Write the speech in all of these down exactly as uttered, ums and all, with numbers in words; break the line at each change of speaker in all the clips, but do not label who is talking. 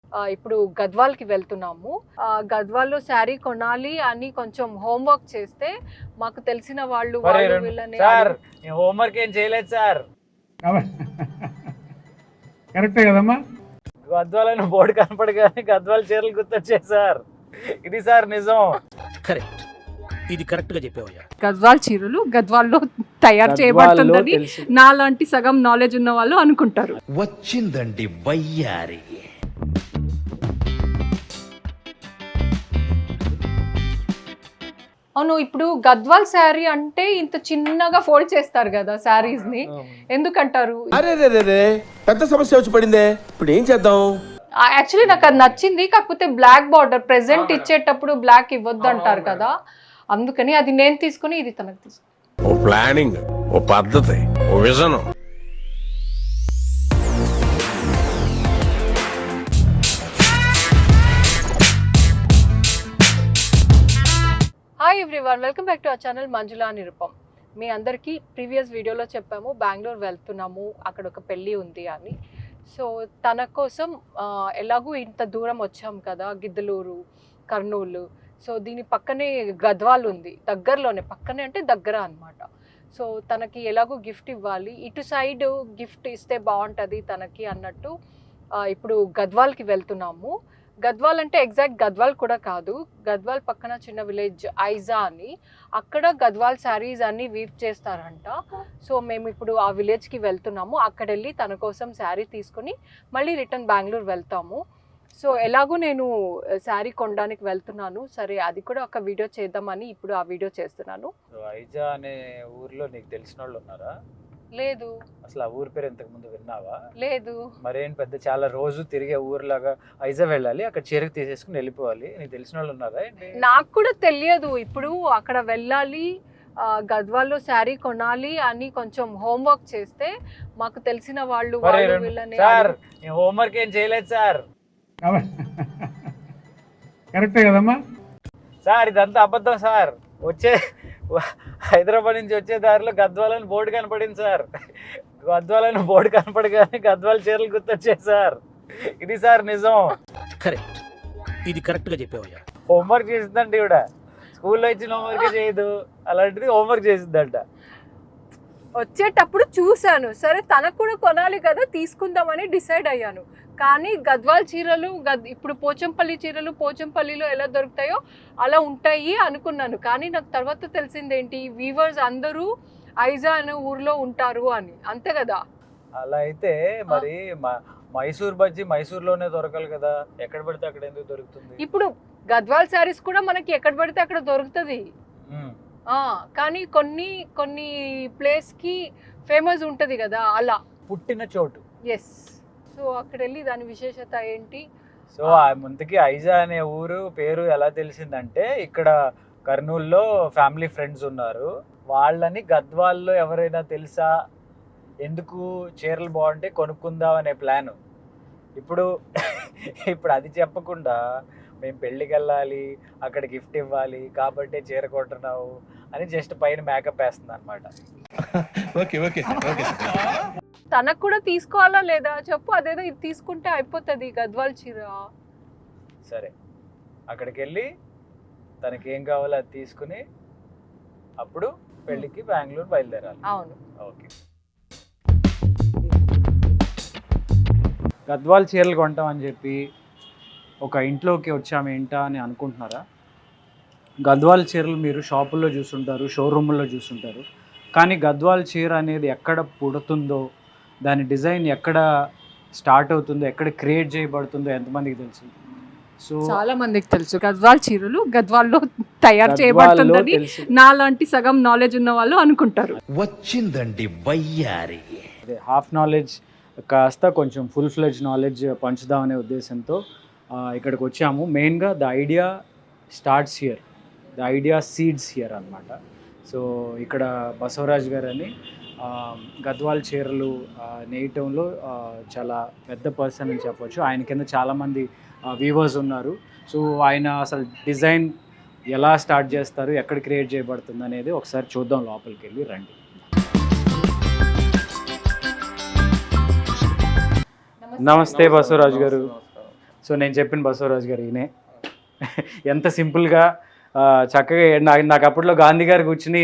ఇప్పుడు గద్వాల్కి వెళ్తున్నాము. గద్వాల్లో శారీ కొనాలి అని కొంచెం హోంవర్క్ చేస్తే మాకు తెలిసిన వాళ్ళు వాళ్ళు వీళ్ళని
సార్ హోంవర్క్ ఏం చేయలేదు సార్.
కరెక్టే కదమ్మా.
గద్వాలని బోర్డు కనపడగానే గద్వాల చీరలు గుర్తొచ్చాయి సార్. ఇది సార్ నిజం.
కరెక్ట్, ఇది కరెక్ట్ గా చెప్పావయ్యా.
గద్వాల్ చీరలు గద్వాల్లో తయారు చేయబడుతుందని నాలాంటి సగం నాలెడ్జ్ ఉన్న వాళ్ళు అనుకుంటారు.
వచ్చిందండి వయ్యారి.
అవును, ఇప్పుడు గద్వాల్ శారీ అంటే ఇంత చిన్నగా ఫోల్డ్ చేస్తారు కదా శారీస్ ని, ఎందుకంటారు?
అరే రే రే రే పెద్ద సమస్య వచ్చి పడిందే, ఇప్పుడు ఏం చేద్దాం?
యాక్చువల్లీ నాకు అది నచ్చింది, కాకపోతే బ్లాక్ బార్డర్ ప్రెసెంట్ ఇచ్చేటప్పుడు బ్లాక్ ఇవ్వద్దు అంటారు కదా, అందుకని అది నేను తీసుకుని ఇది తనకు తీసుకుని.
ఓ ప్లానింగ్, ఓ పద్ధతి, ఓ vision.
Hi everyone, welcome back to our channel Manjula Nirupam. మీ అందరికీ ప్రీవియస్ వీడియోలో చెప్పాము బెంగళూరు వెళ్తున్నాము, అక్కడ ఒక పెళ్ళి ఉంది అని. సో తన కోసం ఎలాగూ ఇంత దూరం వచ్చాం కదా, గిద్దలూరు, కర్నూలు, సో దీని పక్కనే గద్వాల్ ఉంది, దగ్గరలోనే, పక్కనే అంటే దగ్గర అనమాట. సో తనకి ఎలాగో గిఫ్ట్ ఇవ్వాలి, ఇటు సైడ్ గిఫ్ట్ ఇస్తే బాగుంటుంది తనకి అన్నట్టు ఇప్పుడు గద్వాల్కి వెళ్తున్నాము. గద్వాల్ అంటే ఎగ్జాక్ట్ గద్వాల్ కూడా కాదు, గద్వాల్ పక్కన చిన్న విలేజ్ ఐజా అని, అక్కడ గద్వాల్ శారీస్ అన్ని వీవ్ చేస్తారంట. సో మేము ఇప్పుడు ఆ విలేజ్కి వెళ్తున్నాము, అక్కడ వెళ్ళి తన కోసం శారీ తీసుకుని మళ్ళీ రిటర్న్ బెంగళూరు వెళ్తాము. సో ఎలాగో నేను శారీ కొనడానికి వెళ్తున్నాను, సరే అది కూడా ఒక వీడియో చేద్దామని ఇప్పుడు ఆ వీడియో చేస్తున్నాను.
ఐజా అనే ఊర్లో నీకు తెలిసిన వాళ్ళు ఉన్నారా?
లేదు.
అసలు ఆ ఊరి పేరు ఇంతకు ముందు విన్నావా?
లేదు.
మరేం పెద్ద చాలా రోజు తిరిగే ఊర్లాగా ఐజా వెళ్ళాలి, అక్కడ చీరకు తీసేసుకుని వెళ్ళిపోవాలి, నీకు తెలిసిన వాళ్ళు ఉన్నారా?
నాకు కూడా తెలియదు, ఇప్పుడు అక్కడ వెళ్ళాలి, గద్వాల్లో శారీ కొనాలి అని కొంచెం హోంవర్క్ చేస్తే మాకు తెలిసిన వాళ్ళు వాళ్ళు వీళ్ళని.
సార్ హోంవర్క్ ఏం చేయలేదు సార్.
కరెక్టే కదమ్మా.
సార్ ఇదంతా అబద్ధం సార్. వచ్చే హైదరాబాద్ నుంచి వచ్చే దారిలో గద్వాలని బోర్డు కనపడింది సార్. గద్వాలని బోర్డు కనపడగానే గద్వాల చీరలు గుర్తొచ్చాయి సార్. ఇది సార్ నిజం.
కరెక్ట్, ఇది కరెక్ట్ గా చెప్పావయ్యా.
హోంవర్క్ చేసిందంట ఈవిడ, స్కూల్లో ఇచ్చిన హోంవర్క్ చేయదు, అలాంటిది హోంవర్క్ చేసిందంట.
వచ్చేటప్పుడు చూశాను, సరే తనకు కూడా కొనాలి కదా, తీసుకుందామని డిసైడ్ అయ్యాను. కానీ గద్వాల్ చీరలు గద్ ఇప్పుడు పోచంపల్లి చీరలు పోచంపల్లిలో ఎలా దొరుకుతాయో అలా ఉంటాయి అనుకున్నాను, కానీ నాకు తర్వాత తెలిసింది ఏంటి, వీవర్స్ అందరూ ఐజా అనే ఊర్లో ఉంటారు అని, అంతే కదా?
అలా అయితే మరి మైసూర్ బజ్జీ మైసూర్లోనే దొరకాలి కదా, ఎక్కడ పడితే అక్కడ ఎందుకు దొరుకుతుంది?
ఇప్పుడు గద్వాల్ శారీస్ కూడా మనకి ఎక్కడ పడితే అక్కడ దొరుకుతుంది, కానీ కొన్ని కొన్ని ప్లేస్కి ఫేమస్ ఉంటుంది కదా, అలా
పుట్టిన చోటు.
ఎస్. సో అక్కడ వెళ్ళి దాని విశేషత ఏంటి?
సో ముందుకి ఐజా అనే ఊరు పేరు ఎలా తెలిసిందంటే, ఇక్కడ కర్నూలులో ఫ్యామిలీ ఫ్రెండ్స్ ఉన్నారు, వాళ్ళని గద్వాల్లో ఎవరైనా తెలుసా, ఎందుకు చీరలు బాగుంటే కొనుక్కుందాం అనే ప్లాను. ఇప్పుడు ఇప్పుడు అది చెప్పకుండా మేము పెళ్ళికి వెళ్ళాలి, అక్కడ గిఫ్ట్ ఇవ్వాలి కాబట్టి చీర కొంటున్నావు అని జస్ట్ పైన మేకప్ వేస్తుంది అనమాట.
తనకు కూడా తీసుకోవాలా లేదా చెప్పు, అదేదో ఇది తీసుకుంటే అయిపోతుంది గద్వాల్ చీర.
సరే అక్కడికి వెళ్ళి తనకి ఏం కావాలో అది తీసుకుని అప్పుడు పెళ్ళికి బెంగళూరు బయలుదేరాలి.
అవును.
ఓకే. గద్వాల్ చీరలు కొంటాం అని చెప్పి ఒక ఇంట్లోకి వచ్చాము ఏంటా అని అనుకుంటున్నారా? గద్వాల్ చీరలు మీరు షాపుల్లో చూస్తుంటారు, షోరూముల్లో చూస్తుంటారు, కానీ గద్వాల్ చీర అనేది ఎక్కడ పుడుతుందో, దాని డిజైన్ ఎక్కడ స్టార్ట్ అవుతుందో, ఎక్కడ క్రియేట్ చేయబడుతుందో ఎంతమందికి తెలుసు? సో
చాలా మందికి తెలుసు గద్వాల్ చీరలు గద్వాల్లో తయారు చేయబడుతుందని నాలాంటి సగం నాలెడ్జ్ ఉన్న వాళ్ళు అనుకుంటారు.
వచ్చిందండి వయ్యారి.
అదే హాఫ్ నాలెడ్జ్ కాస్త కొంచెం ఫుల్ ఫ్లెడ్జ్ నాలెడ్జ్ పంచుదామనే ఉద్దేశంతో ఇక్కడికి వచ్చాము. మెయిన్గా the idea starts here, the idea seeds here అనమాట. సో ఇక్కడ బసవరాజ్ గారు అని గద్వాల్ చీరలు నేయటంలో చాలా పెద్ద పర్సన్ అని చెప్పవచ్చు. ఆయన కింద చాలామంది వీవర్స్ ఉన్నారు. సో ఆయన అసలు డిజైన్ ఎలా స్టార్ట్ చేస్తారు, ఎక్కడ క్రియేట్ చేయబడుతుంది అనేది ఒకసారి చూద్దాం, లోపలికి వెళ్ళి రండి. నమస్తే బసవరాజ్ గారు. సో నేను చెప్పిన బసవరాజు గారు ఈయనే. ఎంత సింపుల్గా చక్కగా నాకు నాకు అప్పట్లో గాంధీ గారు కూర్చుని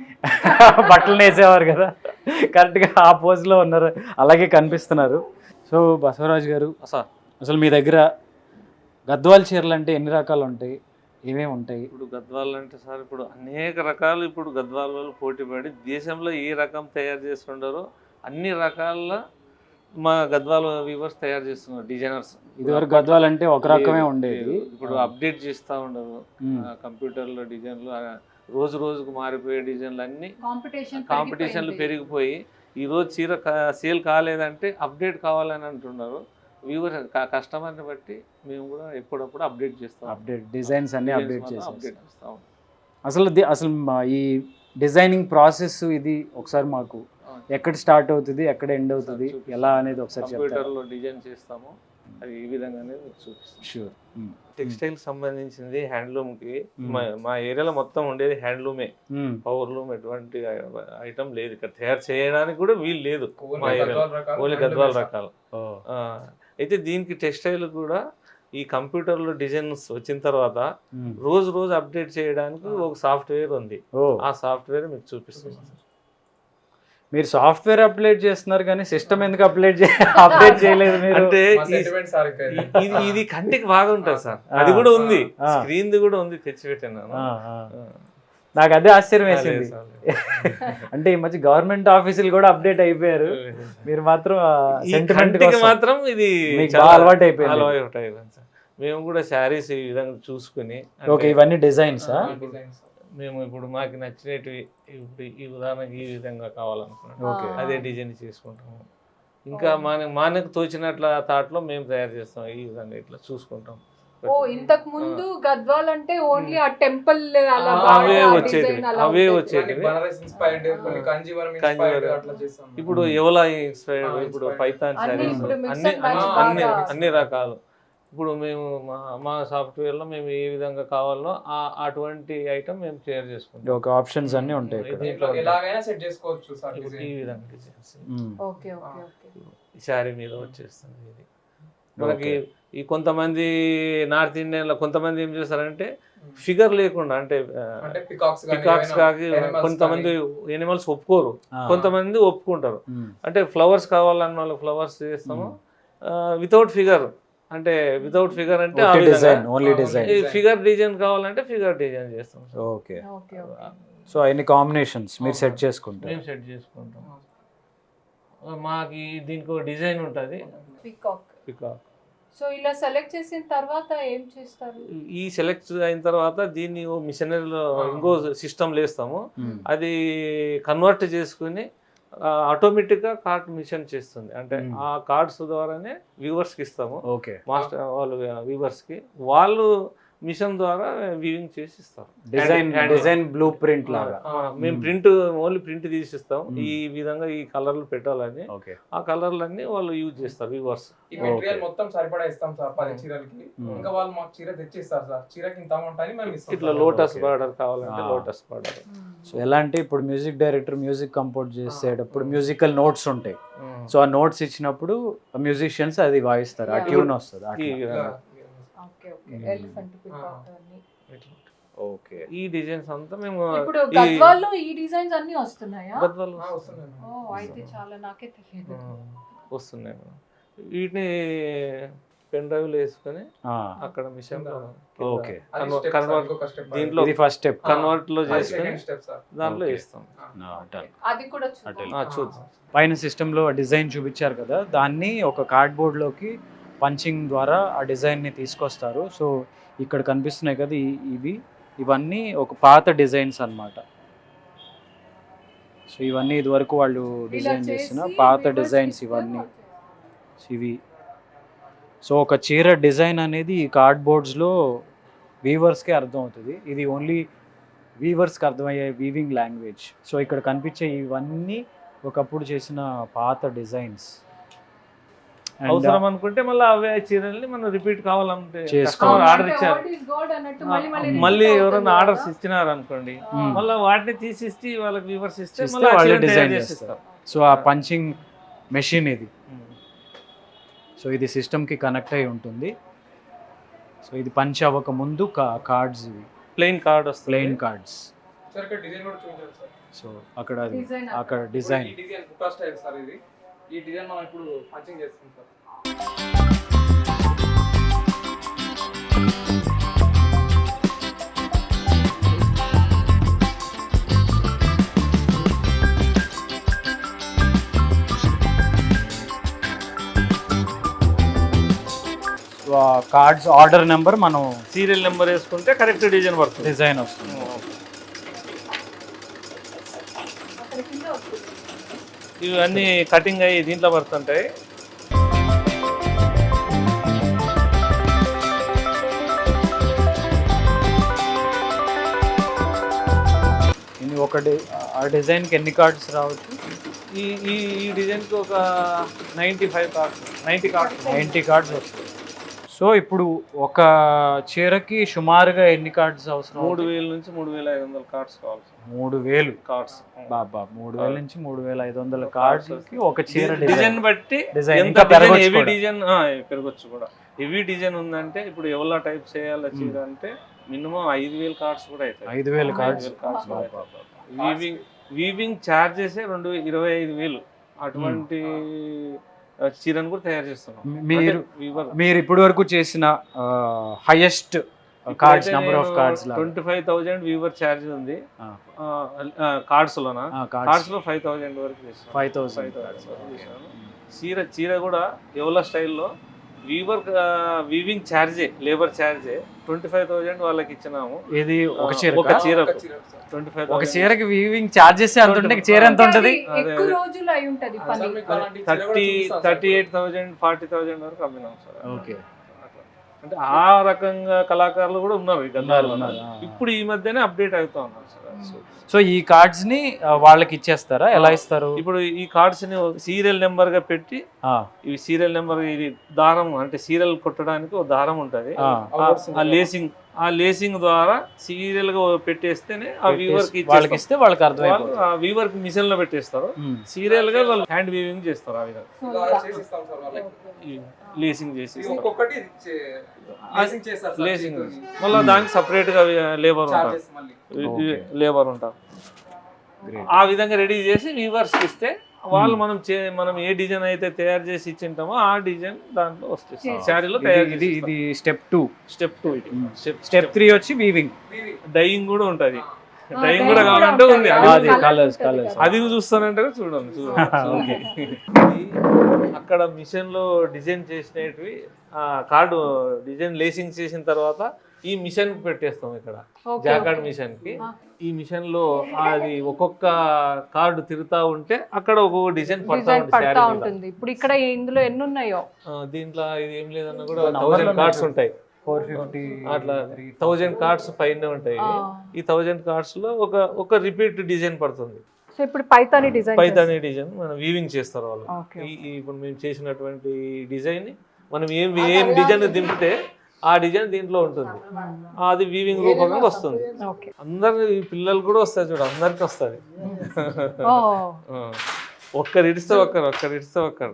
బట్టలు వేసేవారు కదా, కరెక్ట్గా ఆ పోజ్లో ఉన్నారు, అలాగే కనిపిస్తున్నారు. సో బసవరాజు గారు,
సార్
అసలు మీ దగ్గర గద్వాల్ చీరలు అంటే ఎన్ని రకాలు ఉంటాయి, ఏమేమి ఉంటాయి?
ఇప్పుడు గద్వాలు అంటే సార్ ఇప్పుడు అనేక రకాలు ఇప్పుడు గద్వాల వాళ్ళు పోటీపడి దేశంలో ఏ రకం తయారు చేస్తుండారో అన్ని రకాల మా గద్వాల వీవర్స్ తయారు చేస్తున్నారు, డిజైనర్స్.
ఇదివరకు గద్వాల్ అంటే ఒక రకమే ఉండేది,
ఇప్పుడు అప్డేట్ చేస్తూ ఉండరు. కంప్యూటర్లో డిజైన్లు రోజు రోజుకు మారిపోయే డిజైన్లు అన్నీ కాంపిటీషన్లు పెరిగిపోయి ఈరోజు చీర సేల్ కాలేదంటే అప్డేట్ కావాలని అంటున్నారు. వ్యూవర్ కస్టమర్ని బట్టి మేము కూడా ఎప్పుడప్పుడు అప్డేట్ చేస్తాం.
అప్డేట్ డిజైన్స్ అన్ని అప్డేట్ చేస్తాం.
అప్డేట్ చేస్తాం.
అసలు ది- అసలు మా ఈ డిజైనింగ్ ప్రాసెస్ ఇది ఒకసారి మాకు ఎక్కడ స్టార్ట్ అవుతుంది, ఎక్కడ ఎండ్ అవుతుంది, ఎలా అనేది ఒకసారి చెప్తారా?
కంప్యూటర్లో డిజైన్ చేస్తాము, అది ఈ విధంగానే మీకు చూపిస్తాం.
షూర్.
టెక్స్టైల్ సంబంధించింది హ్యాండ్లూమ్కి మా మా ఏరియాలో మొత్తం ఉండేది హ్యాండ్లూమే. పవర్ లూమ్ ఎటువంటి ఐటమ్ లేదు ఇక్కడ, తయారు చేయడానికి కూడా వీలు లేదు మా ఏరియాలో, ఓన్లీ గద్వాల రకాలు. ఆ, అయితే దీనికి టెక్స్టైల్ కూడా ఈ కంప్యూటర్లో డిజైన్స్ వచ్చిన తర్వాత రోజు రోజు అప్డేట్ చేయడానికి ఒక సాఫ్ట్వేర్ ఉంది. ఆ సాఫ్ట్వేర్ మీకు చూపిస్తున్నాను.
మీరు సాఫ్ట్వేర్ అప్డేట్ చేస్తున్నారు కానీ సిస్టమ్ ఎందుకు అప్డేట్ అప్డేట్ చేయలేదు మీరు?
అంటే ఈ- ఇది ఇది కంటికి బాగా ఉంటుంది సార్, అది కూడా ఉంది, స్క్రీన్ కూడా ఉంది, తెచ్చిపెట్టాను.
ఆ, ఆ. నాకు అదే ఆశ్చర్యం వేసింది. అంటే ఈ మధ్య గవర్నమెంట్ ఆఫీసులు కూడా అప్డేట్ అయిపోయారు, మీరు మాత్రం సెంటిమెంట్
కంటికి మాత్రం ఇది
మీకు
చాలా
బాగా అలవాటు అయిపోయింది.
అలవాటు అయిపోయింది సార్. మేము కూడా శారీస్ ఈ విధంగా చూసుకుని,
ఓకే, ఇవన్నీ డిజైన్స్.
మేము ఇప్పుడు మాకు నచ్చినవి ఇప్పుడు ఈ ఉదాహరణకి ఈ విధంగా కావాలనుకున్నాం,
ఓకే,
అదే డిజైన్ చేసుకుంటాము. ఇంకా మన మనకు తోచినట్ల థాట్లో మేము తయారు చేస్తాం, ఈ విధంగా ఇట్లా చూసుకుంటాం.
ఓ ఇంతకు ముందు గద్వాల్ అంటే ఓన్లీ ఆ టెంపుల్ అలా
అవే
బాగా
వచ్చేటివి,
design అలా
అవే
ఉండేది.
వచ్చేటివి.
కాంజీవరం
ఇప్పుడు ఎవలా ఇన్స్పైర్డ్, ఇప్పుడు పైథాన్
అన్ని
శారీస్,
ఇప్పుడు mix
అన్ని
and match
అన్ని- అన్ని
బాగా
అన్ని రకాలు. ఇప్పుడు మేము మా మా సాఫ్ట్వేర్లో మేము ఏ విధంగా కావాలో ఆ అటువంటి ఐటమ్ మేము షేర్ చేసుకుంటాం.
ఓకే, ఆప్షన్స్ అన్నీ ఉంటాయి ఇక్కడ.
దీంట్లో
ఎలాగైనా సెట్ చేసుకోవచ్చు సార్.
ఇప్పుడు ఈ విధంగా designs
hmm.
Okay okay okay
sari మీద వచ్చేస్తుంది. ఇది మనకి ఈ కొంతమంది నార్త్ ఇండియన్లో కొంతమంది ఏం చేస్తారంటే ఫిగర్ లేకుండా, అంటే పికాక్స్ కాకి కొంతమంది ఎనిమల్స్ ఒప్పుకోరు,
ఆ.
కొంతమంది ఒప్పుకుంటారు.
మ్మ్.
అంటే ఫ్లవర్స్ కావాలన్న వాళ్ళకి ఫ్లవర్స్ చేస్తాము, వితౌట్ ఫిగర్, అంటే వితౌట్ ఫిగర్ అంటే ఆ విధంగా.
Design, only design.
ఈ ఫిగర్ డిజైన్ కావాలంటే ఫిగర్ డిజైన్ చేస్తాం.
ఓకే,
ఓకే ఓకే
సో అన్ని కాంబినేషన్స్ మీరు సెట్ చేసుకుంటారు.
మేము సెట్ చేసుకుంటాం. మాకు దీనికి ఒక డిజైన్ ఉంటుంది,
పీకాక్.
పికాక్.
సో ఇలా సెలెక్ట్ చేసిన తర్వాత ఏం చేస్తారు?
ఈ సెలెక్ట్ అయిన తర్వాత దీన్ని ఓ మిషనరీలో ఇంకో సిస్టమ్ వేస్తాము,
మ్మ్.
అది కన్వర్ట్ చేసుకుని ఆటోమేటిక్గా కార్డ్ మిషన్ చేస్తుంది. అంటే
మ్మ్.
ఆ కార్డ్స్ ద్వారానే వ్యూవర్స్కి ఇస్తాము,
ఓకే,
మాస్టర్ వాళ్ళు వ్యూవర్స్కి, వాళ్ళు మిషన్ ద్వారా వీవింగ్ చేసి ఇస్తారు.
Design
Hand-
design blueprint లాగా.
ఆ, మేము ప్రింట్ ఓన్లీ ప్రింట్ తీసిస్తాం, ఈ విధంగా ఈ కలర్లు పెట్టాలని.
ఓకే,
ఆ కలర్లన్నీ వాళ్ళు యూజ్ చేస్తారు వ్యూవర్స్.
ఈ మెటీరియల్ మొత్తం సరిపడా ఇస్తాం సార్ పది చీరలకి. ఇంకా వాళ్ళు మాకు చీర తెచ్చిస్తారు సార్, చీరకి ఇంత అమౌంట్ అని మేము ఇస్తాం.
ఇట్లా లోటస్
Okay.
బార్డర్ కావాలంటే
ఆ.
Lotus border.
సో ఎలా అంటే ఇప్పుడు మ్యూజిక్ డైరెక్టర్ మ్యూజిక్ కంపోజ్ చేసేటప్పుడు మ్యూజికల్ నోట్స్ ఉంటాయి, సో ఆ నోట్స్ ఇచ్చినప్పుడు మ్యూజిషియన్స్ అది వాయిస్తారు, ఆ
Yeah.
ట్యూన్ వస్తుంది
ఈ
అట్లా.
విధంగా.
Okay okay
hmm.
Elephant peacock అన్ని.
ఇట్లా.
ఓకే,
ఈ డిజైన్స్ అంతా మేము
ఇప్పుడు
ఈ
గద్వాల్లో ఈ డిజైన్స్ అన్ని వస్తున్నాయా?
గద్వాలు
ఆ, వస్తున్నాయి.
ఓ అయితే చాలా నాకే తెలియదు.
ఆ, వస్తున్నాయి మేడం. వీటిని పెన్ డ్రైవ్ లో వేసుకొని
ఆ,
అక్కడ మిషన్ లో
ఓకే.
అది
కన్వ-
step సార్,
కన్వర్ట్
ఇంకొక step.
దీంట్లో
ఇది ఫస్ట్ స్టెప్.
కన్వర్ట్ లో
అది
చేసుకొని
second step సార్.
దాంట్లో
Okay.
వేస్తాం.
అది కూడా చూద్దాం.
అటెల్.
ఆ, చూద్దాం.
పైన సిస్టంలో డిజైన్ చూపించారు కదా, దాన్ని ఒక కార్డ్బోర్డ్లోకి పంచింగ్ ద్వారా ఆ డిజైన్ని తీసుకొస్తారు. సో ఇక్కడ కనిపిస్తున్నాయి కదా ఈ- ఇవి ఇవన్నీ ఒక పాత డిజైన్స్ అన్నమాట. సో ఇవన్నీ ఇదివరకు వాళ్ళు
ఇలా
డిజైన్
చేసి
చేసిన పాత
weavers
డిజైన్స్
ఇస్తే
ఇవన్నీ
వాళ్ళు
ఇవి. సో ఒక చీర డిజైన్ అనేది ఈ కార్డ్బోర్డ్స్లో వీవర్స్కే అర్థం అవుతుంది. ఇది ఓన్లీ వీవర్స్కి అర్థమయ్యే వీవింగ్ లాంగ్వేజ్. సో ఇక్కడ కనిపించే ఇవన్నీ ఒకప్పుడు చేసిన పాత డిజైన్స్.
అవసరం అనుకుంటే మళ్ళీ అవే చీరల్ని మనం రిపీట్ కావాలంటే
చేసుకోవాలి.
కస్టమర్
అంటే
ఆర్డర్ ఇచ్చారు,
what is God అన్నట్టు మళ్ళీ మళ్ళీ
మళ్ళీ
repeat
ఎవరైనా
అవుతుంది
ఆర్డర్స్
కదా.
ఇచ్చినారు అనుకోండి,
మ్మ్.
మళ్ళీ వాటిని తీసిస్తే వాళ్ళకి వ్యూవర్స్ ఇస్తే
ఇస్తే
మళ్ళీ ఆ
వాళ్ళే
చీరని
డిజైన్
తయారు
చేస్తారు.
చేసిస్తారు.
సో ఆ పంచింగ్ మెషిన్ ఇది.
మ్మ్.
సో ఇది సిస్టమ్కి కనెక్ట్ అయి ఉంటుంది. సో ఇది పంచ్ అవ్వక ముందు కార్డ్స్ ఇవి
ప్లెయిన్ కార్డ్ వస్తుంది.
Plain cards.
సార్ ఇక్కడ డిజైన్ కూడా చూపించారు సార్.
సో అక్కడ అది
Design
అక్కడ
ఇప్పుడు
డిజైన్.
ఈ డిజైన్ బుట్టా స్టైల్ సార్ ఇది. ఈ డిజైన్ మనం ఇప్పుడు పంచింగ్ చేస్తాం సార్.
కార్డ్స్ ఆర్డర్ నెంబర్ మనం
సీరియల్ నెంబర్ వేసుకుంటే కరెక్ట్ డిజైన్ పడుతుంది.
డిజైన్ వస్తుంది.
ఇవన్నీ కటింగ్ అయ్యి దీంట్లో పడుతుంటాయి.
ఇది ఒక డి- ఆ డిజైన్కి ఎన్ని కార్డ్స్ రావచ్చు?
ఈ ఈ ఈ డిజైన్కి ఒక ninety five cards ninety cards
ninety cards వస్తాయి. సో ఇప్పుడు ఒక చీరకి సుమారుగా ఎన్ని కార్డ్స్ అవసరం?
మూడు వేల నుంచి మూడు వేల ఐదు వందల కార్డ్స్ కావాలి.
మూడు వేలు
కార్డ్స్
బాబా మూడు వేల నుంచి మూడు వేల ఐదు వందల కార్డ్స్కి ఒక చీర
డిజైన్ బట్టి
డిజైన్
ఎంత
ఇంకా
డిజైన్
పెరగొచ్చు
హెవీ
కూడా.
డిజైన్ పెరగొచ్చు కూడా. హెవీ డిజైన్ ఉందంటే ఇప్పుడు ఎవలా టైప్ చేయాలి చీర అంటే మినిమం ఐదు వేల కార్డ్స్ కూడా అవుతాయి.
ఐదు వేల cards.
Cards weaving weaving charges రెండు ఇరవై ఐదు వేలు అటువంటి చీరను కూడా తయారు చేస్తున్నాం.
మీరు
వీవర్
మీరు ఇప్పటి వరకు చేసిన highest cards number of cards
twenty five thousand weaver charge ఉంది కార్డ్స్ లోన. కార్డ్స్ లో ఫైవ్ థౌజండ్ వరకు చేస్తాం.
ఫైవ్ థౌసండ్
చీర చీర కూడా ఎవల స్టైల్లో వీవర్ వీవింగ్ ఛార్జే లేబర్ ఛార్జే ట్వంటీ ఫైవ్ థౌజండ్ వాళ్ళకి ఇచ్చినాము.
ఇది ఒక చీర
ఒక చీర
ఒక చీర సార్.
ట్వంటీ ఫైవ్
ఒక చీరకి వీవింగ్ చార్జెస్ ఎంత ఉంటే చీర ఎంత ఉంటది?
ఎక్కువ రోజులు అయి ఉంటది పని.
సార్ మీకు అలాంటి చీర కూడా
థర్టీ
చూపిస్తాం sir.
Thirty eight thousand forty thousand వరకు అమ్మినాం సార్.
ఓకే.
అట్లా. అంటే ఆ రకంగా కళాకారులు కూడా ఉన్నారు ఈ గద్వాలలో.
ఉన్నారు, ఆ.
ఇప్పుడు ఈ మధ్యనే అప్డేట్ అవుతా ఉన్నారు సార్.
సో ఈ కార్డ్స్ ని ఆ, వాళ్ళకి ఇచ్చేస్తారా? ఎలా ఇస్తారు?
ఇప్పుడు ఈ కార్డ్స్ ని సీరియల్ నెంబర్ గా పెట్టి
ఆ,
ఇవి సీరియల్ నెంబర్ ఇది దారం అంటే సీరియల్ కొట్టడానికి ఒక దారం ఉంటది.
ఆ,
ఆ లేసింగ్ ఆ లేసింగ్ ద్వారా సీరియల్ గా పెట్టేస్తేనే ఆ వీవర్ కి
వాళ్ళకి
ఇచ్చేస్తాం.
ఇస్తే వాళ్ళకి
వాళ్ళు
అర్థమైపోతుంది.
ఆ వీవర్ కి మిషన్ లో పెట్టేస్తారు.
ఉమ్.
సీరియల్ గా వాళ్ళు హ్యాండ్ వీవింగ్ చేస్తారు. ఆ విధంగా
ఇలా చేసి ఇస్తాం సార్ వాళ్ళకి.
ఈ లేసింగ్ చేసి
ఇది ఒక్కొక్కటి లేసింగ్ చేస్తారు సార్.
లేసింగ్
చేతితోని.
మళ్ళీ దానికి సపరేట్ గా లేబర్ ఉంటారు.
చార్జెస్ మళ్ళీ.
Okay.
లేబర్ ఉంటారు.
Great.
ఆ విధంగా రెడీ చేసి వీవర్స్ ఇస్తే వాళ్ళు మనం చే- మనం ఏ డిజైన్ అయితే తయారు చేసి ఇచ్చింటామో ఆ డిజైన్ దాంట్లో వస్తుంది శారీలో తయారు
ఇది
చేసి
ఇది స్టెప్ టూ.
స్టెప్ టూ ఇది
స్టెప్ త్రీ వచ్చి వీవింగ్.
డైయింగ్ కూడా ఉంటది.
ఆ,
డైయింగ్
dyeing
కూడా
కూడా
కావాలంటే
ఉంటుంది.
ఉంది.
ఆ,
అది
అది
colours
కలర్స్
ఉంటుంది
కలర్స్.
కదా.
అది చూస్తానంటే చూడండి చూడండి
Okay.
ఇది అక్కడ మిషన్ లో డిజైన్ చేసినవి కార్డు డిజైన్ లేసింగ్ చేసిన తర్వాత ఈ మిషన్ పెట్టేస్తాం ఇక్కడ
Okay,
జాకార్డ్
okay.
మిషన్ కి.
ఆ.
ఈ మిషన్ లో అది ఒక్కొక్క కార్డు తిరుగుతా ఉంటే అక్కడ ఒక్కొక్క డిజైన్ పడతా
డిజైన్
ఉంటుంది
పడతా
శారీ మీద.
ఉంటుంది. ఇప్పుడు ఇక్కడ ఇందులో ఎన్ని ఉన్నాయో?
ఆ, దీంట్లో ఇది ఏం లేదన్నా కూడా
number
థౌజండ్
లో
కార్డ్స్
ఉన్నాయి.
ఉంటాయి.
ఫోర్ ఫిఫ్టీ
అట్లా థౌజండ్ కార్డ్స్ పైన ఉంటాయి.
ఆ.
ఈ థౌజండ్ కార్డ్స్ లో ఒక ఒక రిపీట్ డిజైన్ పడుతుంది.
సో ఇప్పుడు పైతాని డిజైన్
పైతాని డిజైన్ మనం వీవింగ్ చేస్తారు వాళ్ళు.
Okay.
ఈ ఈ ఇప్పుడు మేము చేసినటువంటి డిజైన్ మనం ఏం ఏం డిజైన్ దింపితే ఆ డిజైన్ దీంట్లో ఉంటుంది. అది వీవింగ్ రూపంగా వస్తుంది.
ఓకే.
అందరు ఈ పిల్లలు కూడా వస్తారు చూడు, అందరికి వస్తుంది.
ఓ,
ఒక్కరు ఇడిస్తే ఒక్కరు ఒక్కరు ఇడిస్తే ఒక్కరు.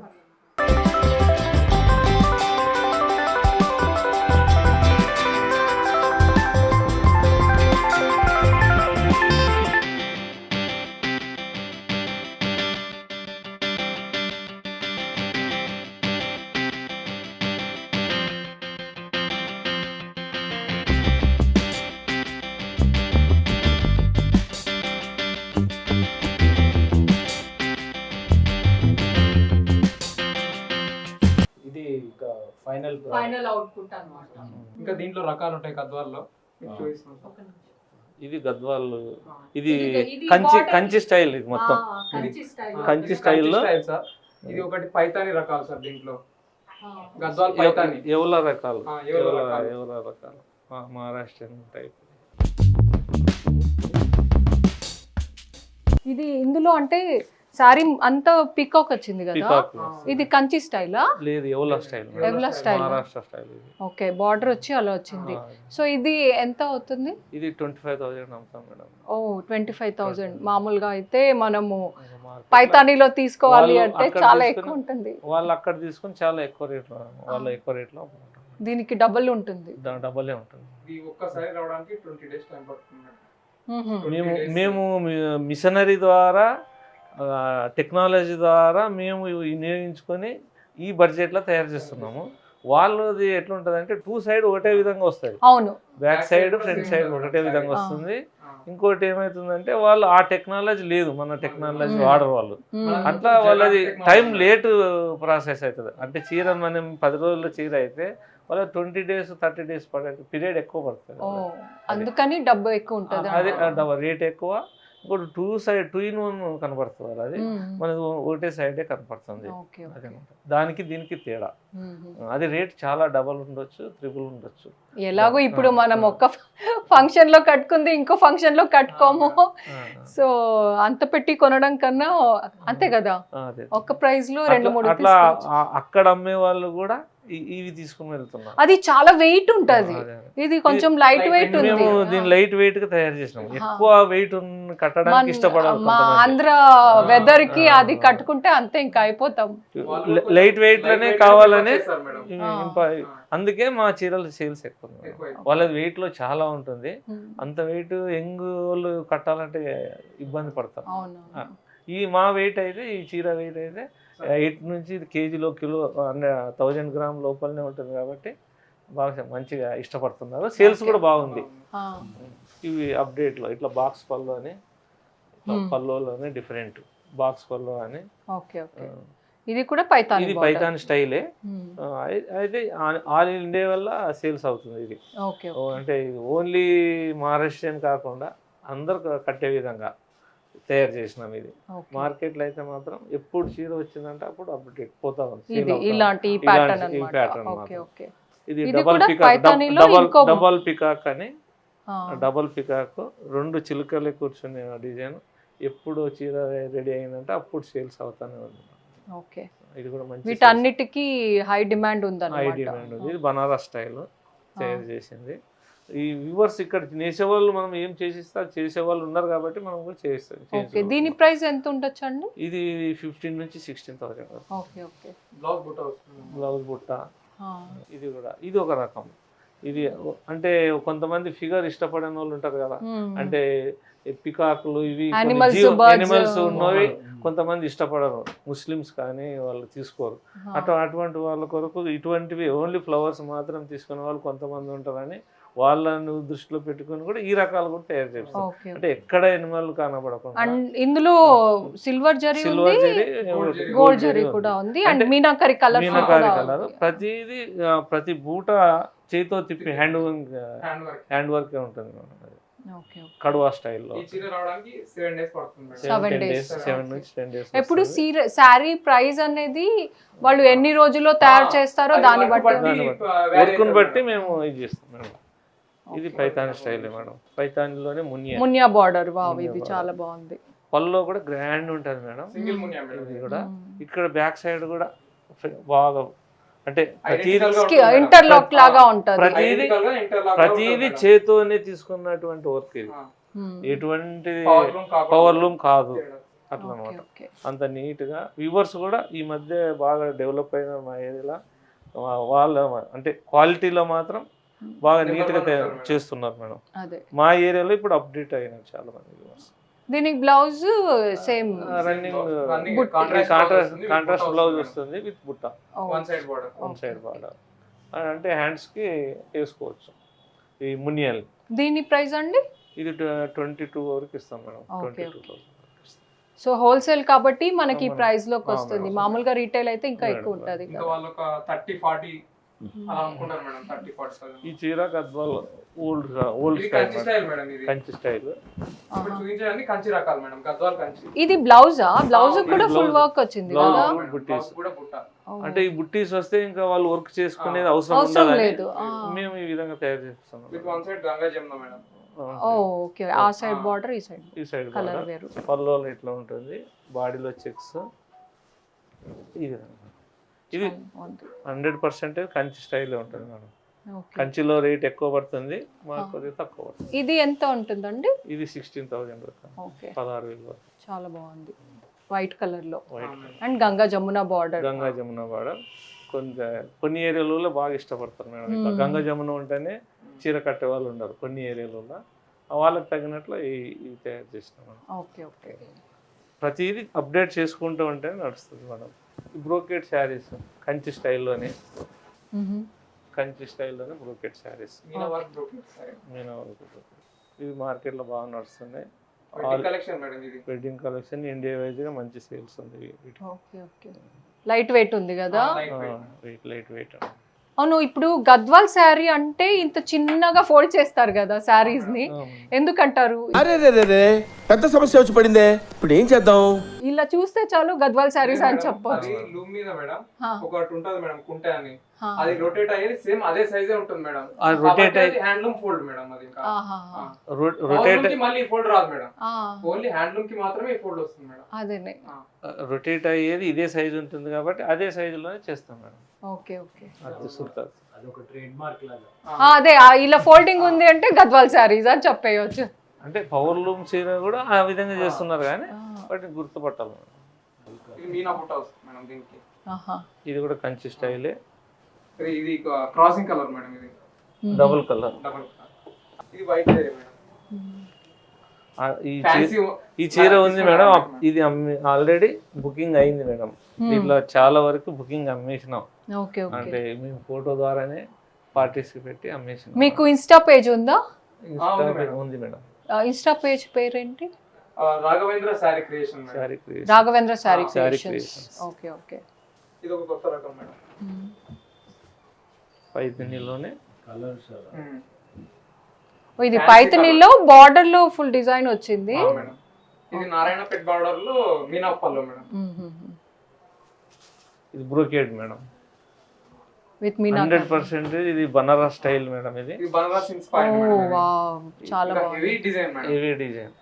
ఇది ఫైనల్.
ఫైనల్ అవుట్పుట్ అన్నమాట.
ఇంకా దీంట్లో రకాలు ఉంటాయి గద్వాల్లో. మీకు చూపిస్తాం సార్.
ఒక నిమిషం.
ఇది గద్వాలు. ఇది
ఇది- ఇది
కంచి
border-
కంచి స్టైల్ ఇది మొత్తం.
ఆ, కంచి స్టైల్.
కంచి స్టైల్లో
స్టైల్ సార్. ఇది ఒకటి పైతాని రకాలు సార్. దీంట్లో గద్వాల్ పైతాని.
ఎవల రకాలు
ఆ, ఎవల
ఎవల
రకాలు.
ఎవల రకాలు ఆ, మహారాష్ట్రన్ టైప్.
ఇది ఇందులో అంటే సారీ అంతా పీకాక్ వచ్చింది కదా.
పీకాక్
ఇది కంచి స్టైలా?
లేదు Yeola style.
Yeola style.
Maharashtra style ఇది.
ఓకే, బార్డర్ వచ్చి అలా వచ్చింది.
ఆ,
సో ఇది ఎంత అవుతుంది?
ఇది ట్వంటీ ఫైవ్ థౌసండ్ అమ్ముతాం మేడం.
ఓ, ట్వంటీ ఫైవ్ థౌజండ్. మామూలుగా అయితే మనము
ఇంకా మార్కెట్లో
పైతానీలో తీసుకోవాలి
వాళ్ళు
అంటే
అక్కడ
చాలా
తీసుకుని-
ఎక్కువ ఉంటుంది.
వాళ్ళు అక్కడ తీసుకొని చాలా ఎక్కువ రేట్లో వాళ్ళు ఎక్కువ రేట్లో అమ్ముకుంటారు.
దీనికి డబుల్ ఉంటుంది.
డబలే ఉంటుంది.
ఇది ఒక్కసారి రావడానికి ట్వంటీ డేస్ టైం పడుతుంది.
మ్మ్.
మేము మేము మిషనరీ ద్వారా టెక్నాలజీ ద్వారా మేము వినియోగించుకొని ఈ బడ్జెట్లో తయారు చేస్తున్నాము. వాళ్ళది ఎట్లా ఉంటుంది అంటే టూ సైడ్ ఒకటే విధంగా వస్తుంది,
అవును,
బ్యాక్ సైడ్ ఫ్రంట్ సైడ్ ఒకటే విధంగా వస్తుంది. ఇంకోటి ఏమవుతుందంటే వాళ్ళు ఆ టెక్నాలజీ లేదు, మన టెక్నాలజీ వాడరు వాళ్ళు.
మ్మ్.
అట్లా వాళ్ళది టైం లేట్ ప్రాసెస్ అవుతుంది. అంటే చీర మనం పది రోజుల చీర అయితే వాళ్ళ ట్వంటీ డేస్ థర్టీ డేస్ పడే పీరియడ్ ఎక్కువ పడుతుంది.
ఓ, అందుకని డబ్బు ఎక్కువ ఉంటుంది.
అది రేట్ ఎక్కువ. ఇంకోటి two side two in one కనపడుతుంది వాళ్ళది, మనది ఒకటే సైడే కనపడుతుంది.
ఓకే,
అదనమాట దానికి దీనికి తేడా. అది రేట్ చాలా డబల్ ఉండొచ్చు, త్రిబుల్ ఉండొచ్చు.
ఎలాగో ఇప్పుడు మనం ఒక్క ఫంక్షన్ లో కట్టుకుంది ఇంకో ఫంక్షన్ లో కట్టుకోము, సో అంత పెట్టి కొనడం కన్నా అంతే కదా,
అదే
ఒక్క ప్రైస్ లో రెండు
అట్లా-
మూడు
అట్లా
తీసుకోవచ్చు.
ఆ- అక్కడ అమ్మే వాళ్ళు కూడా ఇ- ఇవి తీసుకుని వెళ్తున్నారు.
అది చాలా వెయిట్ ఉంటది,
అదే, అదే.
ఇది కొంచెం లైట్ వెయిట్ ఉంది.
మేము దీన్ని లైట్ వెయిట్ గా తయారు చేసినాం. ఎక్కువ వెయిట్ కట్టడానికి
మన-
ఇష్టపడాలి
మా ఆంధ్ర వెదర్ కి అది కట్టుకుంటే అంతే ఇంకా అయిపోతాం.
లైట్ వెయిట్ లోనే కావాలని
చేస్తారు మేడం.
ఇవి ఇంప- అందుకే మా చీరల సేల్స్ ఎక్కువ ఉన్నాయి.
ఎక్కువ ఎక్కువ.
వాళ్ళది వెయిట్ లో చాలా ఉంటుంది.
ఉమ్,
అంత వెయిట్ యంగ్ వాళ్ళు కట్టాలంటే ఇబ్బంది పడతారు.
అవును,
ఆ. ఈ మా వెయిట్ అయితే ఈ చీర వెయిట్ అయితే ఎయిట్ నుంచి కేజీలో కిలో థౌజండ్ గ్రామ్ లోపలనే ఉంటుంది కాబట్టి బాగా మంచిగా ఇష్టపడుతున్నారు. సేల్స్ కూడా బాగుంది.
ఆ,
ఇవి అప్డేట్లో ఇట్లా బాక్స్ పళ్ళు అని
Hmm.
పళ్ళులోనే డిఫరెంట్ బాక్స్ పళ్ళు అని.
ఓకే ఓకే, ఇది కూడా పైతాని
ఇది
border.
పైథాన్ స్టైలే.
ఉమ్,
ఆ, అయి- అయితే ఆల్ ఇండియా వల్ల సేల్స్ అవుతుంది ఇది.
ఓకే
ఓ,
ఓకే.
అంటే ఇది ఓన్లీ మహారాష్ట్రియన్ కాకుండా అందరు కట్టే విధంగా తయారు చేసినాం ఇది.
ఓకే.
మార్కెట్లో అయితే మాత్రం ఎప్పుడు చీర వచ్చిందంటే అప్పుడు అప్డేట్ పోతా ఉంది, sale
ఇది
అవుతా ఉంది.
ఇలాంటి
ఇలాంటి
ప్యాటర్న్
ఈ
అన్నమాట.
pattern
ఓకే
మాత్రం.
ఓకే.
ఇది
ఇది
డబల్
కూడా
పికాక్
పైథానీలో
డబల్
ఇంకో-
డబల్ పికాక్ అని
ఆ,
డబల్ పికాక్ రెండు చిలుకలే కూర్చునే డిజైన్. ఎప్పుడు చీర రెడీ అయిందంటే అప్పుడు సేల్స్ అవుతానే ఉంది.
ఓకే.
ఇది కూడా మంచి
వీటన్నిటికీ హై డిమాండ్
హై
ఉందన్నమాట.
డిమాండ్ ఉంది. ఇది బనారస్ స్టైల్ తయారు చేసింది. ఈ వ్యూవర్స్ ఇక్కడ చేసేవాళ్ళు మనం ఏం చేసిస్తే అది చేసేవాళ్ళు ఉన్నారు కాబట్టి మనం కూడా చేస్తాం.
ఓకే,
చేయించుకోవాలి.
దీని ప్రైస్ ఎంత ఉండొచ్చు అండి?
ఇది ఫిఫ్టీన్ నుంచి sixteen thousand
okay okay.
Blouse బుట్ట వస్తుంది.
బ్లౌజ్ బుట్ట.
ఆ,
ఇది కూడా ఇది ఒక రకం. ఇది అంటే కొంతమంది ఫిగర్ ఇష్టపడని వాళ్ళు ఉంటారు కదా,
ఉమ్,
అంటే పికాకులు ఇవి
Animals, birds.
యానిమల్స్ ఉన్నవి కొంతమంది ఇష్టపడరు, ముస్లిమ్స్ కానీ వాళ్ళు తీసుకోరు.
ఆ,
అటు అటువంటి వాళ్ళ కొరకు ఇటువంటివి ఓన్లీ ఫ్లవర్స్ మాత్రం తీసుకునే వాళ్ళు కొంతమంది ఉంటారని వాళ్ళని దృష్టిలో పెట్టుకొని కూడా ఈ రకాలు కూడా తయారు చేస్తారు.
ఓకే.
అంటే ఎక్కడ ఎనిమల్ కనబడకుండా
అండ్ ఇందులో సిల్వర్ జరీ
సిల్వర్
ఉంది,
జరీ
gold జరీ,
గోల్డ్ జరీ కూడా ఉంది, అండ్
అంటే
మీనాకరి కలర్
మీనాకారి కలర్. ప్రతిది ఆ, ప్రతి బూట చేతితో తిప్పి hand
hand work.
Hand work ఉంటుంది మేడం. అది
ఓకే.
కడువా స్టైల్లో
ఈ చీర రావడానికి సెవెన్ డేస్ పడుతుంది madam.
Seven
seven
days.
Days seven నుంచి టెన్ డేస్
ఎప్పుడు శారీ ప్రైస్ అనేది వాళ్ళు ఎన్ని రోజుల్లో తయారు చేస్తారో
అది
దాన్ని
వర్క్
బట్టి.
దాన్ని బట్టి.
ఆ, vary
వర్క్ను
అవుతుంది
బట్టి
మేడం.
మేము ఇది చేస్తాం మేడం. ఇది
ఓకే.
Paithan style madam. పైథాన్లోనే మునియా
మునియా బార్డర్, వావ్,
మునియా
ఇది
border.
చాలా బాగుంది.
పళ్ళలో కూడా గ్రాండ్ ఉంటుంది మేడం.
Single Muniya madam.
ఇది కూడా
మ్మ్.
ఇక్కడ బ్యాక్ సైడ్ కూడా బాగా అంటే ప్రతిదీ
Identical గా ఉంటుంది మేడం.
ఇంటర్లాక్ లాగా ఉంటది.
ప్రతిదీ
Identical గా interlock గా
ప్రతిదీ
ఉంటుంది మేడం.
చేతోనే తీసుకున్నటువంటి వర్క్ ఇది.
ఆ,
మ్మ్.
ఎటువంటి
power loom కాకుండా
పవర్ లూమ్ కాదు
చేయడం.
అట్లా
ఓకే,
అనమాట.
ఓకే.
అంత నీట్గా వ్యూవర్స్ కూడా ఈ మధ్య బాగా డెవలప్ అయిన మా ఏరియాలో వాళ్ళ అంటే క్వాలిటీలో మాత్రం బాగా
Number
నీట్గా
one
తయారు
ఉంటారు మేడం.
చేస్తున్నారు మేడం.
అదే,
మా ఏరియాలో ఇప్పుడు అప్డేట్ అయినారు చాలా మంది వ్యూవర్స్.
దీనికి బ్లౌజ్ సేమ్
రన్నింగ్
Running
బుట్ట.
contrast blouse
కాంట్రాస్ట్
వస్తుంది,
కాంట్రాస్ట్
బుట్ట
బ్లౌజ్
వస్తుంది
వస్తుంది విత్ బుట్ట,
madam. One side border.
One side border. అంటే హ్యాండ్స్కి వేసుకోవచ్చు ఈ మునియల్.
దీని ప్రైస్ అండి?
ఇది ట్వంటీ టూ వరకు ఇస్తాం madam.
Okay,
twenty two
okay.
Thousand
so wholesale కాబట్టి మనకి
అవును.
ప్రైస్ లోకి
అవును.
వస్తుంది. మామూలుగా రీటైల్ అయితే ఇంకా
అవును.
ఎక్కువ ఉంటది
ఇంకా
కదా.
వాళ్ళు ఒక థర్టీ ఫార్టీ అలా అనుకుంటారు మేడం. థర్టీ ఫార్టీ
ఈ చీర గద్వాల్ ఓల్డ్ ఓల్డ్
ఇది
స్టైల్
కంచి స్టైల్ మేడం. ఇది
కంచి స్టైల్.
ఇప్పుడు చూపించడానికి కంచి రకాలు మేడం. గద్వాల్ కంచి.
ఇది బ్లౌజా? బ్లౌజ్
ఆ,
కూడా
ఇది
ఫుల్
blouse.
వర్క్ వచ్చింది
Blouse.
కదా.
మేడం.
బుట్టీస్.
బ్లౌజ్ కూడా బుట్ట.
ఓ.
అంటే ఈ బుట్టీస్ వస్తే ఇంకా వాళ్ళు వర్క్ చేసుకునేది అవసరం
అవసరం
ఉండదని
లేదు. ఆ.
మేము ఈ విధంగా తయారు చేస్తాం.
With one side Ganga Jamuna madam.
ఓ, ఓకే. ఆ సైడ్
ఆ.
బార్డర్, ఈ సైడ్
ఈ సైడ్
కలర్ వేరు.
పల్లో ఇట్లా ఉంటుంది, బాడీలో చెక్స్. ఈ విధంగా ఇది
చాలా బాగుంది.
హండ్రెడ్ పర్సెంట్ కంచి స్టైల్ ఉంటుంది మేడం.
ఓకే.
కంచిలో రేట్ ఎక్కువ పడుతుంది, మాకు కొద్దిగా తక్కువ పడుతుంది.
ఇది ఎంత ఉంటుందండి?
ఇది సిక్స్టీన్ థౌసండ్ వరకు,
ఓకే,
పదహారు వేలు వరకు.
చాలా బాగుంది. వైట్ కలర్ లో
white
and Ganga Jamuna border.
Ganga Jamuna border. కొంత కొన్ని ఏరియాలలో బాగా ఇష్టపడతారు మేడం ఇట్లా
మ్మ్.
గంగా జమున ఉంటేనే చీర కట్టే వాళ్ళు ఉండరు కొన్ని ఏరియాలలో వాళ్ళకి తగినట్లు ఈ ఇవి తయారు చేసినాం మేడం.
ఓకే ఓకే
ప్రతిదీ అప్డేట్ చేసుకుంటూ ఉంటే నడుస్తుంది మేడం. బ్రోకెట్ శారీస్ కంచి స్టైల్లోనే కంచి స్టైల్లోనే బ్రోకెట్ శారీస్
మీనా వర్క్ బ్రోకెట్ సారీ
నేను ఇవి మార్కెట్లో బాగా నడుస్తున్నాయి.
కలెక్షన్ మేడం ఇది.
వెడ్డింగ్ కలెక్షన్ ఇండియా వైజ్గా మంచి సేల్స్ ఉంది వీటికి.
ఓకే ఓకే లైట్ వెయిట్ ఉంది కదా.
Light weight.
Weight light weight
అవును, ఇప్పుడు గద్వాల్ శారీ అంటే ఇంత చిన్నగా ఫోల్డ్ చేస్తారు కదా శారీస్ ని, ఎందుకంటారు?
అరే రే రే రే పెద్ద సమస్య వచ్చి పడిందే ఇప్పుడు ఏం చేద్దాం?
ఇలా చూస్తే చాలు గద్వాల్ శారీస్ అని
అది
చెప్పొచ్చు.
లూమ్ మీద మేడం
హా,
ఒకటి ఉంటది మేడం కుంటే అని,
హా.
అది రొటేట్ అయ్యేది సేమ్ అదే సైజే ఉంటుంది మేడం.
ఆ rotate అయ్యి-
హ్యాండ్లూమ్ ఫోల్డ్ మేడం అది. ఇంకా
ఆహా, హా.
రొటేట్
కి మళ్ళీ ఫోల్డ్ రాదు మేడం,
ఆ,
ఓన్లీ హ్యాండ్లూమ్ కి మాత్రమే ఫోల్డ్ వస్తుంది మేడం.
అదేనే.
రొటేట్ అయ్యేది ఇదే సైజు ఉంటుంది కాబట్టి అదే సైజులోనే చేస్తాం మేడం.
ఓకే ఓకే
అది సూపర్.
అదొక ట్రేడ్ మార్క్ లాగా.
ఆ, అదే ఆ, ఇలా ఫోల్డింగ్ ఉంది అంటే గద్వాల్ శారీస్ అని చెప్పేయచ్చు.
అంటే పవర్ లూమ్ చీర కూడా ఆ విధంగా చేస్తున్నారు కానీ వాటిని గుర్తుపట్టాలి మేడం.
ఇది మీనా బుట్ట వస్తుంది మేడం దీనికి.
ఆహా.
ఇది కూడా కంచి స్టైలే,
ఇది- ఇది క్రాసింగ్ కలర్ మేడం, ఇది
డబుల్ కలర్.
డబుల్ ఇది వైట్ మేడం.
ఈ
ఫ్యాన్సీ
చీ- ఈ చీర ఉంది మేడం, ఇది అమ్మి ఆల్రెడీ బుకింగ్ అయింది మేడం. దీంట్లో చాలా వరకు బుకింగ్ అమ్మేసినాం.
Okay okay.
అంటే మేము ఫోటో ద్వారానే పార్టీస్ కి పెట్టి అమ్మేసినాం.
మీకు ఇన్స్టా పేజ్ ఉందా?
ఇన్స్టా
ఉంది మేడం.
ఉంది మేడం.
ఆ, ఇన్స్టా పేజ్ పేరేంటి?
ఆ, Raghavendra Saree Creation madam.
Saree Creation.
Raghavendra Saree
ఆ,
Saree
Creations.
Creations.
Okay okay.
ఇది ఒక కొత్త రకం మేడం.
పైతినిలోనే
కలర్స్
ఉమ్.
ఓ, ఇది
Fancy
పైతనీలో బార్డర్ లో ఫుల్ డిజైన్ వచ్చింది.
ఆ, మేడం. ఇది నారాయణపేట్ బార్డర్ లో మీనా పల్లో మేడం.
ఇది బ్రోకేడ్ మేడం.
విత్ మీనా.
హండ్రెడ్ పర్సెంట్ ఇది బనారస్ స్టైల్ మేడం. ఇది
ఇది బనారస్ ఇన్స్పైర్డ్
ఓ
మేడం. ఇది.
వావ్, చాలా
ఇంకా
బాగుంది.
Heavy design madam.
Heavy design.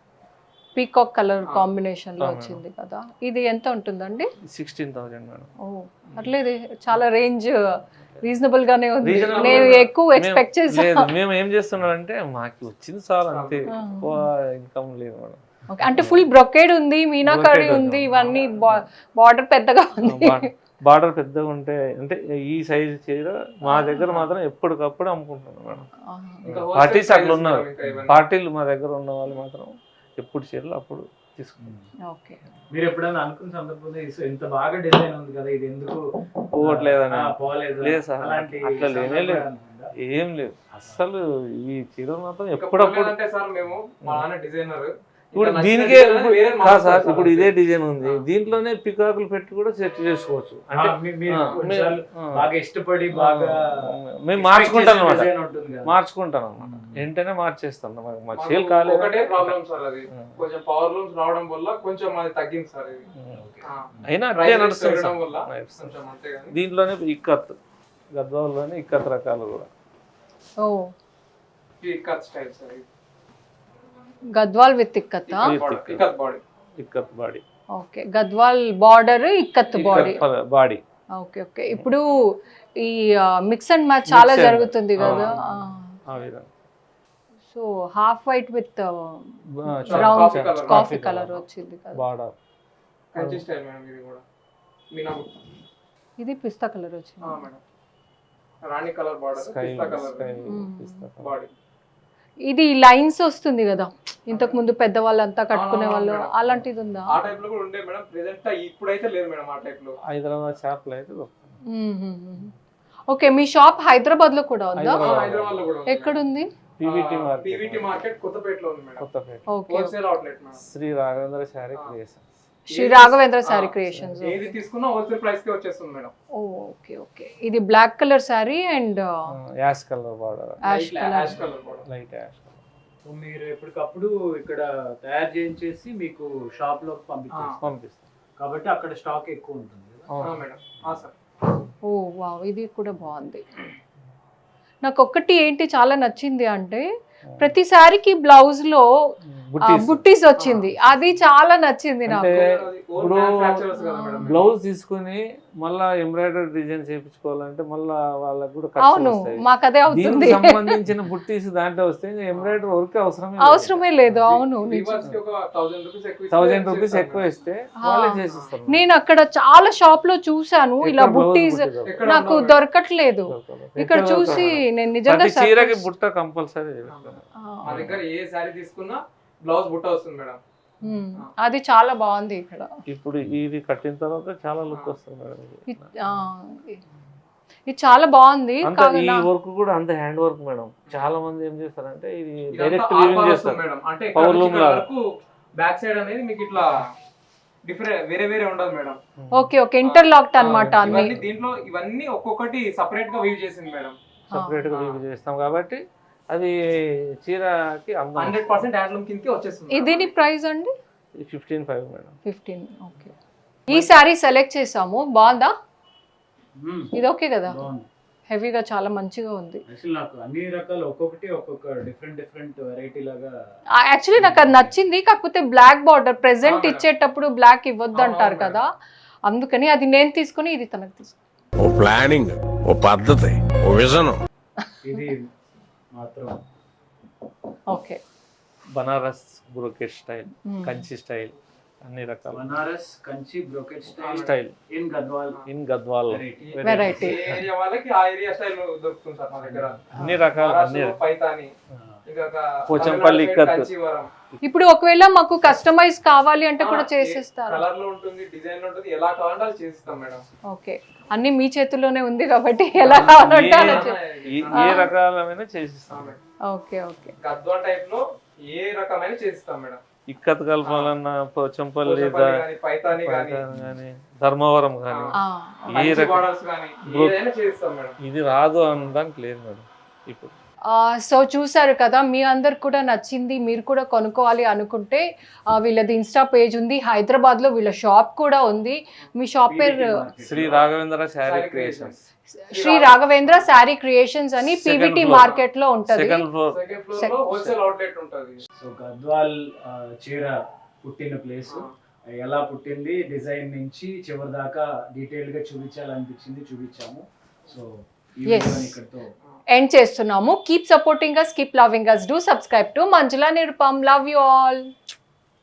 Peacock colour
ఆ.
కాంబినేషన్ లో
ఆ,
వచ్చింది కదా. ఇది ఎంత ఉంటుందండి?
Sixteen thousand madam.
ఓ, అట్లేదు, చాలా రేంజ్ రీజనబుల్ గానే ఉంది.
Reasonable
నేను
గా-
ఎక్కువ ఎక్స్పెక్ట్
మేము- లేదు
చేసాను.
మేము ఏం చేస్తున్నాం అంటే మాకు వచ్చింది చాలు అంతే,
ఆ.
ఎక్కువ ఇన్కమ్ లేదు మేడం.
ఓకే, అంటే ఫుల్ బ్రొకేడ్ ఉంది, మీనాకారి
Brocade
ఉంది,
ఉంది.
ఇవన్నీ బార్డర్ పెద్దగా ఉంది.
బార్డర్ పెద్దగా ఉంటే అంటే ఈ సైజ్ చీర మా దగ్గర మాత్రం ఎప్పటికప్పుడు అమ్ముకుంటున్నాం మేడం.
ఆహా.
ఇంకా wholesale
పార్టీస్ అట్లా
prices
ఉన్నారు.
మేడం ఇంకా ఇవన్నీ.
పార్టీలు మా దగ్గర ఉన్న వాళ్ళు మాత్రం ఎప్పుడు చీరలు అప్పుడు తీసుకుంటాం.
ఓకే.
మీరు ఎప్పుడైనా అనుకున్న సందర్భంలో ఇది ఇంత బాగా డిజైన్ ఉంది కదా, ఇది ఎందుకు
పోవట్లేదని
ఆ, పోలేదు
లేదు సార్,
అలాంటి
అట్లా లేనే
సందర్భాలు
లేదు.
అనుకుంటా?
ఏం లేదు అసలు. ఈ చీరలు మాత్రం
ఇంకా
ఎప్పుడప్పుడు
పోలేదంటే సార్ మేము మా నాన్న డిజైనర్.
ఇప్పుడు దీనికే ఇప్పుడు కాదు సార్, ఇప్పుడు ఇదే డిజైన్ ఉంది, దీంట్లోనే పికాకులు పెట్టి కూడా సెట్ చేసుకోవచ్చు.
ఆ,
అంటే
మీ- మీరు
ఆ,
కొన్నిసార్లు
ఆ.
బాగా ఇష్టపడి బాగా
మేము మార్చుకుంటాం అనమాట,
డిజైన్ ఉంటుంది కదా.
మార్చుకుంటాం అనమాట, వెంటనే మార్చేస్తాం. మాకు మా
మాకు
చీరలు కాలేదు.
ఒకటే ప్రాబ్లం సార్, అది
ఆ.
కొంచెం పవర్ లూమ్స్ రావడం వల్ల కొంచెం అది తగ్గింది సార్. ఇది ఆ.
అయినా అట్లే
Prices
నడుస్తుంది
పెరగడం
సార్.
వల్ల
నడుస్తుంది.
కొంచెం అంతే కానీ
దీంట్లోనే ఇక్కత్, గద్వాల్లోనే ఇక్కత్ రకాలు కూడా.
ఓ,
ఈ కట్ స్టైల్ సార్. ఇది
Gadwal with ikat.
Ikat.
Ikat body.
Ikat body,
okay, Gadwal border ikat body.
Body.
Okay okay. ఇప్పుడు ఈ మిక్స్ అండ్ మ్యాచ్ చాలా
Mix and
జరుగుతుంది
match.
కదా.
ఆ విధంగా
so half white with
Coffee
brown
colour.
Coffee colour వచ్చింది కదా.
బార్డర్.
Kanchi style madam. ఇది కూడా మీనా బుట్ట.
ఇది పిస్తా కలర్ వచ్చింది.
ఆ, మేడం. రాణి కలర్ బార్డర్,
స్కై
పిస్తా కలర్
స్కై
మ్మ్.
పిస్తా కలర్.
బాడీ.
ఇది లైన్స్ వస్తుంది కదా, ఇంతకు ముందు పెద్దవాళ్ళంతా కట్టుకునే
ఆ,
వాళ్ళు,
మేడం.
అలాంటిది ఉందా?
ఆ టైప్ లో కూడా ఉండే మేడం. ప్రెసెంట్ ఇప్పుడైతే లేదు మేడం ఆ టైప్ లో.
హైదరాబాద్ షాప్లో అయితే దొరుకుతుంది.
ఓకే, మీ షాప్ హైదరాబాద్ లో కూడా ఉందా?
హైదరాబాద్.
హైదరాబాద్ లో కూడా ఉంది.
ఎక్కడుంది?
పీవీటీ మార్కెట్,
పీవీటీ మార్కెట్ కొత్తపేటలో ఉంది మేడం.
Kothapet.
Okay,
wholesale outlet madam.
Shri Raghavendra Saree Creations.
Shri Raghavendra Saree Creations.
ఏది తీసుకున్నా హోల్సేల్ ప్రైస్ కి వచ్చేస్తుంది మేడం.
Okay okay. ఇది black colour sari and
ash colour border,
ash colour.
Ash colour కూడా.
Light ash colour.
సో మీరు ఎప్పటికప్పుడు ఇక్కడ తయారు చేయించేసి మీకు షాప్ లో పంపించేస్తారు
పంపిస్తాం.
కాబట్టి అక్కడ స్టాక్ ఎక్కువ ఉంటుంది కదా.
ఆ,
అవును.
మేడం. ఆ, సార్.
ఓ వావ్, ఇది కూడా బాగుంది. నాకు ఒక్కటి ఏంటి చాలా నచ్చింది అంటే ప్రతి శారీకి బ్లౌజ్ లో
బుట్టీస్
బుట్టీస్ వచ్చింది, అది చాలా నచ్చింది నాకు.
అంటే
ఇప్పుడు
బ్లౌజ్ తీసుకుని మళ్ళా ఎంబ్రాయిడరీ డిజైన్ చేయించుకోవాలంటే మళ్ళా వాళ్ళకి కూడా
అవును,
ఖర్చు వస్తాయి.
మాకు అదే అవుతుంది.
దీనికి సంబంధించిన బుట్టీస్ దాంట్లో వస్తే ఎంబ్రాయిడరీ వర్క్ అవసరమే
అవసరమే లేదు. అవును,
థౌజండ్ రూపీస్ ఎక్కువ ఇస్తే వాళ్ళే చేసిస్తారు.
నేను అక్కడ చాలా షాప్ లో చూసాను ఇలా బుట్టీస్, నాకు దొరకట్లేదు. ఇక్కడ చూసి నేను నిజంగా
చీరకి బుట్ట కంపల్సరీ.
మా దగ్గర ఏ సారీ తీసుకున్నా బ్లౌజ్ బుట్ట వస్తుంది మేడం.
ఉమ్, అది చాలా బాగుంది ఇక్కడ.
ఇప్పుడు ఇది కట్టిన తర్వాత చాలా లుక్ వస్తుంది మేడం.
ఇ- ఆ, ఇది చాలా బాగుంది.
అంత ఈ
కాగా
వర్క్ కూడా అంత హ్యాండ్ వర్క్ మేడం. చాలా మంది ఏం చేస్తారంటే ఇది
ఇదంతా
డైరెక్ట్
ఆర్ట్
వీవింగ్
వర్క్
చేస్తారు.
వస్తుంది మేడం. అంటే
పవర్ లూమ్ లాగా.
బ్యాక్ సైడ్ అనేది మీకు ఇట్లా డిఫరెంట్ వేరే వేరే ఉండదు మేడం.
ఓకే ఓకే, ఇంటర్లాక్డ్ అన్నమాట అన్ని.
ఇవన్నీ దీంట్లో ఇవన్నీ ఒక్కొక్కటి సపరేట్ గా వీవ్ చేసింది మేడం.
సపరేట్ గా వీవ్ చేస్తాం కాబట్టి అది చీరకి అందం.
హండ్రెడ్ పర్సెంట్ హ్యాండ్లూమ్ కిందకి వచ్చేస్తుంది.
ఇది ప్రైస్ అండి?
Fifteen five madam.
Fifteen. Okay, ఈ సారీ సెలెక్ట్ చేసాము, బాగుందా? ఇది ఓకే కదా? హెవీగా చాలా మంచిగా ఉంది.
యాక్చువల్లీ నాకు అన్ని రకాలు ఒక్కొక్కటి ఒక్కొక్క డిఫరెంట్ డిఫరెంట్ వెరైటీ లాగా.
యాక్చువల్లీ నాకు అది నచ్చింది, కాకపోతే బ్లాక్ బార్డర్ ప్రెసెంట్ ఇచ్చేటప్పుడు బ్లాక్ ఇవ్వద్దు అంటారు కదా, అందుకని అది నేను తీసుకుని ఇది తనకు తీసుకుని.
ఓ ప్లానింగ్, ఓ పద్ధతి, ఓ విజనం.
ఇది మాత్రం
okay,
Banaras brocade style,
Hmm.
Kanchi style, అన్ని రకాల
Banaras Kanchi brocade style
style
in Gadwal
in Gadwal.
Variety.
ఏ ఏరియా వాళ్ళకి ఆ ఏరియా స్టైల్ దొరుకుతుంది సార్ మా దగ్గర.
అన్ని రకాల అన్ని
మహారాష్ట్రలో పైతాని, ఇంకా
పోచంపల్లి
తమిళనాడు
ఇక్కత్.
సైడ్ కాంచీవరం.
ఇప్పుడు ఒకవేళ మాకు కస్టమైజ్ కావాలి అంటే కూడా చేసేస్తారా?
కలర్ లో ఉంటుంది, డిజైన్ లో ఉంటుంది, ఎలా కావాలంటే అది చేసిస్తాం మేడం.
ఓకే, అన్ని మీ చేతుల్లోనే ఉంది కాబట్టి ఎలా కావాలంటే అలా చే-
ఏ- ఏ రకాలమైన చేసిస్తాం.
ఓకే ఓకే,
గద్వాల్ టైప్ లో ఏ రకమైన చేసిస్తాం మేడం.
ఇక్కత్ కలపాలన్నా పోచంపల్లి,
పోచంపల్లి గానీ, పైతాని గానీ,
కానీ ధర్మవరం కానీ
ఆ,
ఏ
కంచి
రకం
బోర్డర్స్ గానీ
బ్రో-
ఏదైనా చేసిస్తాం మేడం.
ఇది రాదు అనడానికి లేదు మేడం. ఇప్పుడు
ఆ, సో చూసారు కదా, మీ అందరికి కూడా నచ్చింది, మీరు కూడా కొనుక్కోవాలి అనుకుంటే ఆ, వీళ్ళది ఇన్స్టా పేజ్ ఉంది, హైదరాబాద్లో వీళ్ళ షాప్ కూడా ఉంది. మీ షాప్ పేరు
శ్రీ రాఘవేంద్ర శారీ క్రియేషన్స్,
శ్రీ రాఘవేంద్ర శారీ క్రియేషన్స్ అని
Second
పీవీటీ
floor.
మార్కెట్ లో ఉంటది.
Second floor.
సెకండ్ ఫ్లోర్ లో హోల్సేల్ అవుట్లెట్ ఉంటుంది.
సో గద్వాల్ ఆ, చీర పుట్టిన ప్లేస్ ఎలా పుట్టింది, డిజైన్ నుంచి చివరి దాకా డీటెయిల్ గా చూపించాలనిపించింది, చూపించాము. సో ఈ
Yes.
వీడియోని ఇక్కడితో
ఎండ్ చేస్తున్నాము. Keep supporting us, keep loving us, do subscribe to Manjula Nirupam. Love you all.